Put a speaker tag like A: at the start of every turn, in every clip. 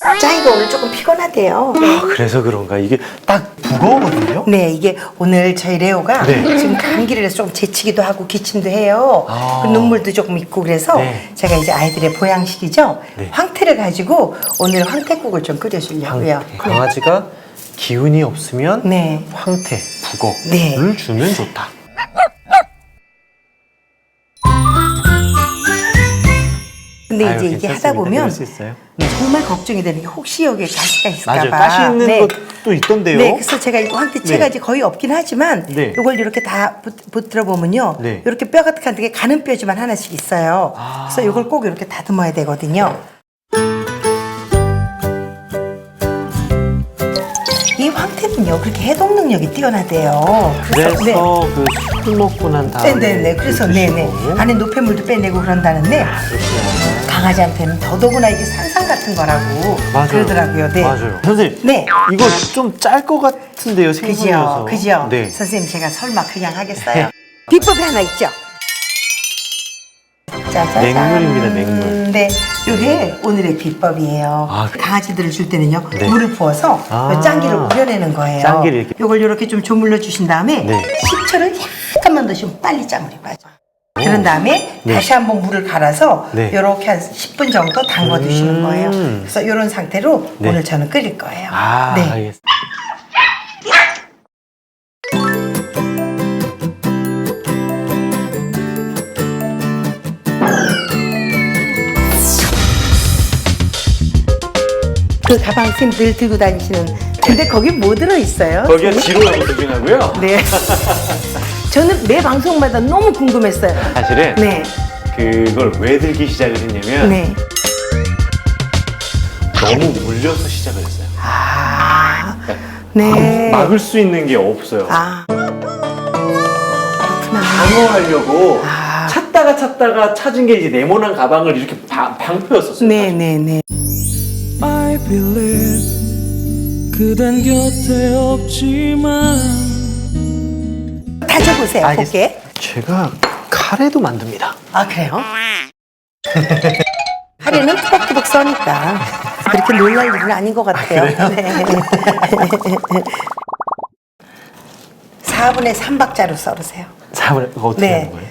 A: 짱이가 오늘 조금 피곤하대요.
B: 아, 그래서 그런가? 이게 딱 무거우거든요?
A: 네, 이게 오늘 저희 레오가
B: 네.
A: 지금 감기를 해서 좀 재치기도 하고 기침도 해요.
B: 아.
A: 그 눈물도 조금 있고 그래서
B: 네.
A: 제가 이제 아이들의 보양식이죠.
B: 네.
A: 황태를 가지고 오늘 황태국을 좀 끓여주려고요.
B: 강아지가 기운이 없으면
A: 네.
B: 황태, 북어를
A: 네.
B: 주면 좋다.
A: 근데
B: 아유,
A: 이제 이게
B: 괜찮습니다.
A: 하다 보면
B: 그럴 수 있어요.
A: 정말 걱정이 되는 게 혹시 여기에 가시가 있을까
B: 맞아요.
A: 봐.
B: 가시 있는
A: 네.
B: 것도 있던데요.
A: 네, 그래서 제가 이거 황태채가
B: 네.
A: 이제 거의 없긴 하지만
B: 네.
A: 이걸 이렇게 다 붙들어 보면요,
B: 네.
A: 이렇게 뼈 같은 게 가는 뼈지만 하나씩 있어요.
B: 아.
A: 그래서 이걸 꼭 이렇게 다듬어야 되거든요. 이 황태는요 그렇게 해독 능력이 뛰어나대요.
B: 그래서
A: 네.
B: 그 술 먹고 난 다음에
A: 네네네. 그래서 네네 안에 노폐물도 빼내고 그런다는데
B: 그렇구나.
A: 강아지한테는 더더구나 이게 산삼 같은 거라고
B: 맞아요.
A: 그러더라고요. 네.
B: 맞아요. 선생님,
A: 네.
B: 이거 좀 짤 것 같은데요, 생선이어서.
A: 그죠?
B: 네.
A: 선생님 제가 설마 그냥 하겠어요? 비법이 하나 있죠? 짜자잔.
B: 맹물입니다, 맹물.
A: 네, 이게 오늘의 비법이에요.
B: 아,
A: 강아지들을 줄 때는요,
B: 네.
A: 물을 부어서
B: 아.
A: 요 짱기를 우려내는 거예요.
B: 짱기를 이렇게.
A: 이걸 이렇게 좀 조물러 주신 다음에
B: 네.
A: 식초를 약간만 넣으시면 빨리 짱물이 빠져. 그런 다음에
B: 네.
A: 다시 한번 물을 갈아서
B: 네.
A: 이렇게 한 10분 정도 담궈 두시는 거예요.
B: 음.
A: 그래서 이런 상태로
B: 네.
A: 오늘 저는 끓일 거예요.
B: 아,
A: 네.
B: 알겠습니다.
A: 그 가방 쌤 늘 들고 다니시는. 근데 거기 뭐 들어있어요?
B: 거기가 지로라고 들리나고요?
A: 네. 저는 매 방송마다 너무 궁금했어요.
B: 사실은
A: 네.
B: 그걸 왜 들기 시작을 했냐면
A: 네.
B: 너무 물려서 시작을 했어요.
A: 아. 네.
B: 막을 수 있는 게 없어요.
A: 아. 그렇구나.
B: 방어하려고
A: 아.
B: 찾다가 찾은 게 이제 네모난 가방을 이렇게 방패였었어요.
A: 네네네.
C: I believe 그댄 곁에 없지만
A: 다져보세요,
B: 알겠습니다.
A: 볼게.
B: 제가 카레도 만듭니다.
A: 아, 그래요? 하루는 투벅투벅 써니까 그렇게 놀랄 일은 아닌 것 같아요. 네. 4분의 3박자로 썰으세요.
B: 4분의 이거 어떻게
A: 네.
B: 하는 거예요?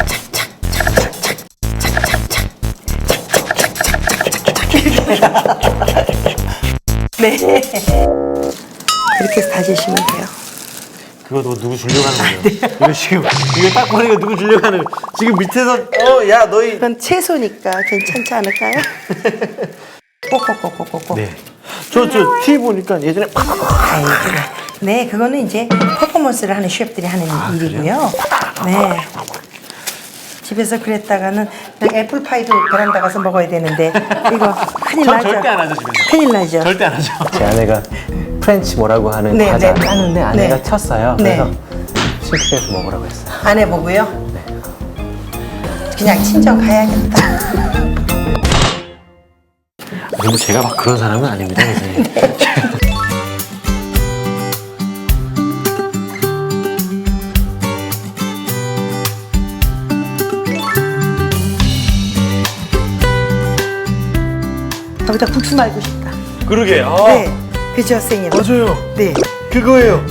A: 네. 그렇게 해서 다지시면 돼요.
B: 그거 누구 주려고 하는 거예요? 이거 지금 이거 딱 보니까 누구 주려고 하는 거예요? 지금 밑에서 야 너희
A: 이건 채소니까 괜찮지 않을까요? 꼭꼭꼭꼭꼭.
B: 네. 저 TV 보니까 예전에
A: 아이고. 네, 그거는 이제 퍼포먼스를 하는 셰프들이 하는 일이고요. 네. 집에서 그랬다가는 애플파이도 베란다 가서 먹어야 되는데 이거 큰일
B: 전
A: 나죠.
B: 절대 안 하죠, 집에서.
A: 큰일 나죠.
B: 절대 안 하죠. 제 아내가 프렌치 뭐라고 하는
A: 네,
B: 과자
A: 네.
B: 까는데 아내가
A: 네.
B: 쳤어요.
A: 네.
B: 그래서 싱크대에서 먹으라고 했어요.
A: 안 해보고요. 그냥 친정 가야겠다.
B: 그리고 제가 막 그런 사람은 아닙니다, 선생님.
A: 여기다 국수 말고 싶다.
B: 그러게.
A: 네, 그죠, 선생님?
B: 맞아요.
A: 네.
B: 그거예요.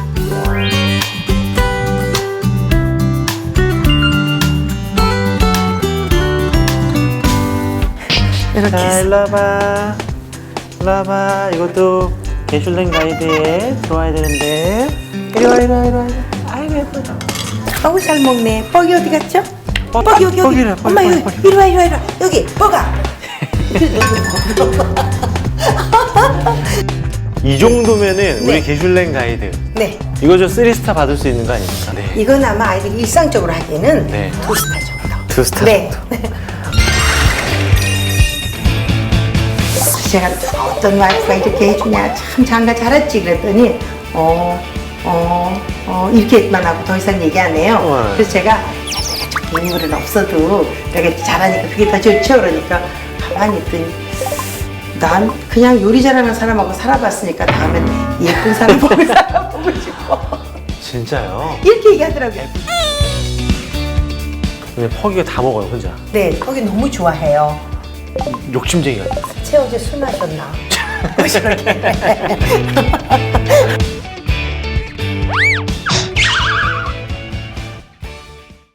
A: 이렇게
B: 자,
A: 해서.
B: 일로 와봐. 일로 와봐. 이것도 개슐랭 가이드에 들어와야 되는데. 이리 와, 이리 와, 이리 와. 아이고, 예쁘다.
A: 어우, 잘 먹네. 뻐기 어디 갔죠?
B: 뻐기,
A: 뻐기 여기, 여기.
B: 뻐기래, 뻐기,
A: 엄마,
B: 뻐기,
A: 여기.
B: 뻐기.
A: 이리 와, 이리 와, 이리 와. 여기, 뻐가.
B: 이 정도면은
A: 네.
B: 우리 개슐랭 가이드.
A: 네.
B: 이거 좀 3스타 받을 수 있는 거 아닙니까? 네.
A: 이건 아마 아이들이 일상적으로 하기에는
B: 네.
A: 2스타 정도.
B: 2스타
A: 네.
B: 정도.
A: 제가 어떤 와이프가 이렇게 해주냐, 참 장가 잘했지 그랬더니 이렇게만 하고 더 이상 얘기 안 해요.
B: 네.
A: 그래서 제가 인물은 없어도 이렇게 잘하니까 그게 더 좋죠. 그러니까 가만히 있더니 난 그냥 요리 잘하는 사람하고 살아봤으니까 다음엔 예쁜 사람 보고 살아보고 싶어.
B: 진짜요?
A: 이렇게 얘기하더라고요.
B: 근데 퍽이가 다 먹어요, 혼자.
A: 네, 거기 너무 좋아해요.
B: 욕심쟁이 같아요.
A: 채 어제 술 마셨나? 저렇게